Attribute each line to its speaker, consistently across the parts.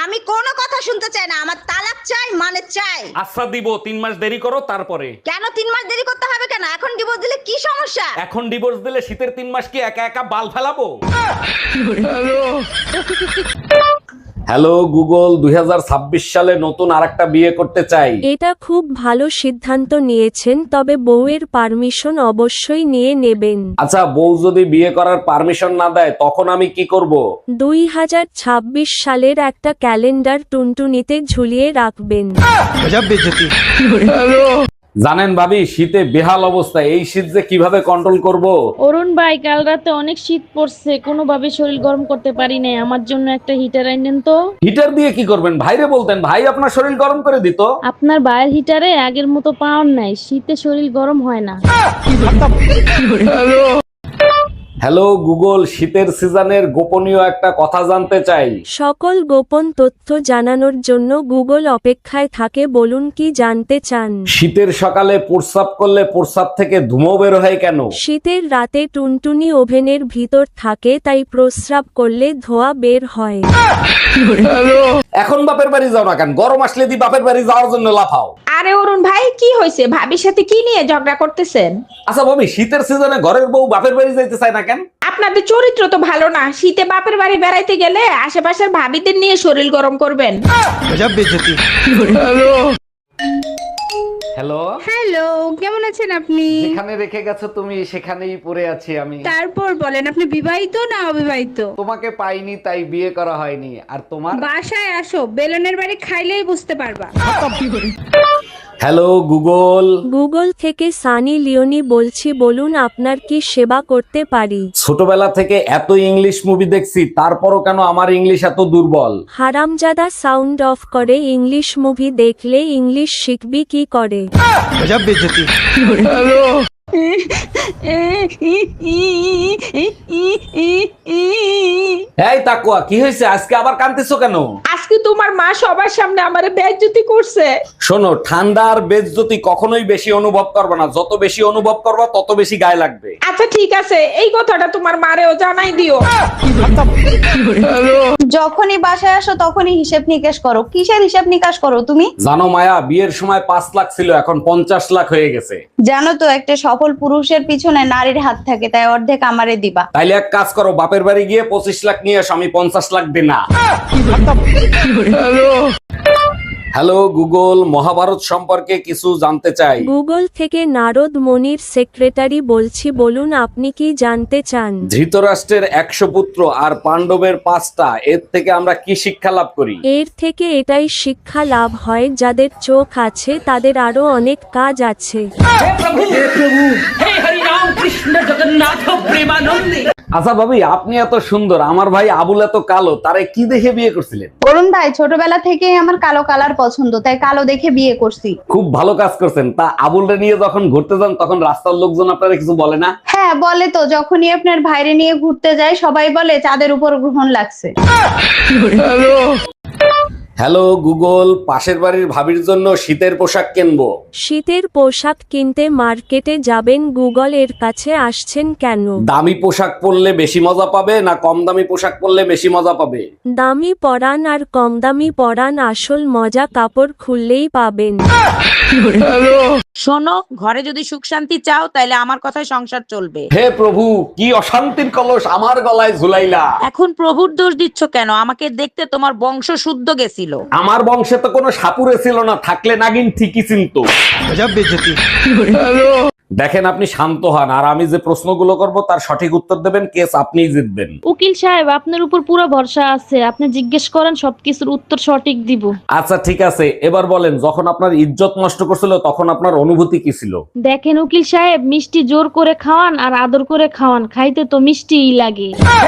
Speaker 1: আমি কোনো কথা শুনতে চাই না, আমার তালাক চাই মানে চাই।
Speaker 2: আচ্ছা দিব, 3 মাস দেরি করো তারপরে।
Speaker 1: কেন 3 মাস দেরি করতে হবে কেন? এখন ডিভোর্স দিলে কি সমস্যা?
Speaker 2: এখন ডিভোর্স দিলে শীতের 3 মাস কি একা একা বাল ফেলাবো? হ্যালো গুগল, 2026 সালে নতুন আরেকটা বিয়ে করতে চাই।
Speaker 3: এটা খুব ভালো সিদ্ধান্ত নিয়েছেন, তবে বউয়ের পারমিশন অবশ্যই নিয়ে নেবেন।
Speaker 2: আচ্ছা, বউ যদি বিয়ে করার পারমিশন না দেয় তখন আমি কি করব?
Speaker 3: 2026 সালের একটা ক্যালেন্ডার টুনটুনিতে ঝুলিয়ে রাখবেন।
Speaker 2: জানেন ভাবি, শীতে বেহাল অবস্থা। এই শীত যে কিভাবে কন্ট্রোল করব?
Speaker 4: অরুণ ভাই, কাল রাতে অনেক শীত পড়ছে, কোনোভাবে শরীর গরম করতে পারি নাই। আমার জন্য একটা হিটার আইনেন তো।
Speaker 2: হিটার দিয়ে কি করবেন? ভাইরে বলতেন, ভাই আপনার শরীর গরম করে দিত।
Speaker 4: আপনার ভাইয়ের হিটারে আগের মতো পাওয়ার নাই, শীতে শরীর গরম হয় না।
Speaker 2: হ্যালো গুগল, শীতের সিজনের গোপনীয় একটা কথা জানতে চাই।
Speaker 3: সকল গোপন তথ্য জানানোর জন্য গুগল অপেক্ষায় থাকে, বলুন কি জানতে চান।
Speaker 2: শীতের সকালে প্রস্রাব করলে প্রস্রাব থেকে ধুমো বের হয় কেন?
Speaker 3: শীতের রাতে টুনটুনি ওভেনের ভিতর থাকে, তাই প্রস্রাব করলে ধোঁয়া বের হয়।
Speaker 2: এখন বাপের বাড়ি যাও না কেন? গরম আসলে দি বাপের বাড়ি যাওয়ার জন্য লাফাও।
Speaker 5: আরে অরুণ ভাই, কি হয়েছে? ভাবির সাথে কি নিয়ে ঝগড়া করতেছেন?
Speaker 2: আচ্ছা ভাবি, শীতের সিজনে ঘরের বউ বাপের বাড়ি যাইতে চায় না কেন?
Speaker 5: আপনাদের চরিত্র তো ভালো না। শীতে বাপের বাড়ি বেড়াইতে গেলে আশেপাশের ভাবিদের নিয়ে শরীর গরম করবেন।
Speaker 2: হ্যালো,
Speaker 6: হ্যালো, কেমন আছেন আপনি?
Speaker 2: যেখানে রেখে গেছো তুমি সেখানেই পড়ে আছি আমি।
Speaker 6: তারপর বলেন, আপনি বিবাহিত না অবিবাহিত?
Speaker 2: তোমাকে পাইনি তাই বিয়ে করা হয়নি। আর তোমার?
Speaker 6: বাসায় আসো, বেলনের বাড়ি খাইলেই বুঝতে পারবা।
Speaker 2: Hello Google.
Speaker 3: গুগল থেকে সানি লিওনি বলছি, বলুন আপনার কি সেবা করতে পারি।
Speaker 2: ছোটবেলা থেকে এত ইংলিশ মুভি দেখছি, তারপরও কেন আমার ইংলিশ এত দুর্বল?
Speaker 3: হারামজাদা সাউন্ড অফ করে। ইংলিশ মুভি দেখলে ইংলিশ শিখবি কি করে?
Speaker 2: এই তাকুয়া, কি হয়েছে? আজকে আবার কাঁদতেছো কেন?
Speaker 5: আজকে তোমার মা সবার সামনে আমারে বেইজ্জতি করছে।
Speaker 2: শোনো, ঠান্ডা আর বেজ্জতি কখনোই বেশি অনুভব করবে না। যত বেশি অনুভব করবা তত বেশি গায়ে লাগবে।
Speaker 5: আচ্ছা ঠিক আছে, এই কথাটা তোমার মারেও জানাই দিও।
Speaker 1: যখনই বাসায় আসো তখনই হিসেব নিকেশ করো। কিসের হিসেব নিকাশ করো তুমি?
Speaker 2: জানো মায়া, বিয়ের সময় 5 লাখ ছিল, এখন 50 লাখ হয়ে গেছে।
Speaker 1: জানো তো, একটা সফল পুরুষের পিছনে নারীর হাত থাকে, তাই অর্ধেক আমারে দিবা।
Speaker 2: তাইলে এক কাজ করো, বাপের বাড়ি গিয়ে 25 লাখ নিয়ে এসো, আমি 50 লাখ দিই না। হ্যালো গুগল, মহাভারত সম্পর্কে কিছু জানতে চাই।
Speaker 3: গুগল থেকে নারদ মনির সেক্রেটারি বলছি, বলুন আপনি কি জানতে চান।
Speaker 2: ধৃতরাষ্ট্রের 100 পুত্র আর পাণ্ডবের 5টা, এর থেকে আমরা কি শিক্ষা লাভ করি?
Speaker 3: এর থেকে এটাই শিক্ষা লাভ হয়, যাদের চোখ আছে তাদের আরো অনেক কাজ আছে।
Speaker 2: আচ্ছা ভাবি, আপনি এত সুন্দর, আমার ভাই আবুল এত কালো, তারে কি দেখে বিয়ে করছিলেন?
Speaker 1: অরুণ ভাই, ছোটবেলা থেকেই আমার কালো কালার পছন্দ, তাই কালো দেখে বিয়ে করছি।
Speaker 2: খুব ভালো কাজ করছেন। তা আবুলরে নিয়ে যখন ঘুরতে যান তখন রাস্তার লোকজন আপনারা কিছু বলে না?
Speaker 1: হ্যাঁ বলে তো, যখনই আপনার ভাইরে নিয়ে ঘুরতে যাই সবাই বলে চাঁদের উপর গ্রহণ লাগছে।
Speaker 2: হ্যালো গুগল, পাশের বাড়ির ভাবির জন্য শীতের পোশাক কিনবো।
Speaker 3: শীতের পোশাক কিনতে মার্কেটে যাবেন, গুগল এর কাছে আসছেন কেন?
Speaker 2: দামি পোশাক পরলে বেশি মজা পাবে না কম দামি পোশাক পরলে বেশি মজা পাবে?
Speaker 3: দামি পরান আর কম দামি পরান, আসল মজা কাপড় খুললেই পাবেন।
Speaker 7: শোনো, ঘরে যদি সুখ শান্তি চাও তাহলে আমার কথায় সংসার চলবে।
Speaker 2: হে প্রভু, কি অশান্তির কলস আমার গলায় ঝুলাইলা।
Speaker 7: এখন প্রভুর দোষ দিচ্ছ কেন? আমাকে দেখতে তোমার বংশ শুদ্ধ গেছিল।
Speaker 2: আমার বংশে তো কোনো সাপুরে ছিল না, থাকলে নাগিন ঠিকই চিনতো। দেখেন, আপনি শান্ত হন, আর আমি যে প্রশ্নগুলো করব তার সঠিক উত্তর দেবেন, কেস আপনিই জিতবেন।
Speaker 4: উকিল সাহেব, আপনার উপর পুরো ভরসা আছে, আপনি জিজ্ঞেস করেন, সবকিছুর উত্তর সঠিক দিব।
Speaker 2: আচ্ছা ঠিক আছে, এবার বলেন, যখন আপনার ইজ্জত নষ্ট করছিল তখন আপনার অনুভূতি কি ছিল?
Speaker 4: দেখেন উকিল সাহেব, মিষ্টি জোর করে খাওয়ান আর আদর করে খাওয়ান, খাইতে তো মিষ্টিই লাগে।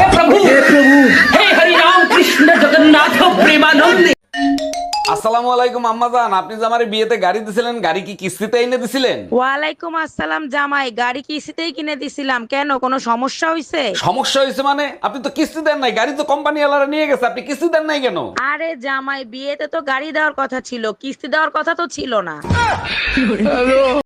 Speaker 2: আসসালামু আলাইকুম আম্মাজান, আপনি যে আমার বিয়েতে গাড়ি দিছিলেন, গাড়ি কি কিস্তিতে এনে দিছিলেন?
Speaker 7: ওয়ালাইকুম আসসালাম জামাই, গাড়ি কিস্তিতেই কিনে দিছিলাম। কেন, কোনো সমস্যা হয়েছে?
Speaker 2: সমস্যা হয়েছে মানে? আপনি তো কিস্তি দেন নাই, গাড়ি তো কোম্পানি ওয়ালারা নিয়ে গেছে, আপনি কিস্তি দেন নাই কেন?
Speaker 7: আরে জামাই, বিয়েতে তো গাড়ি দেওয়ার কথা ছিল, কিস্তি দেওয়ার কথা তো ছিল না।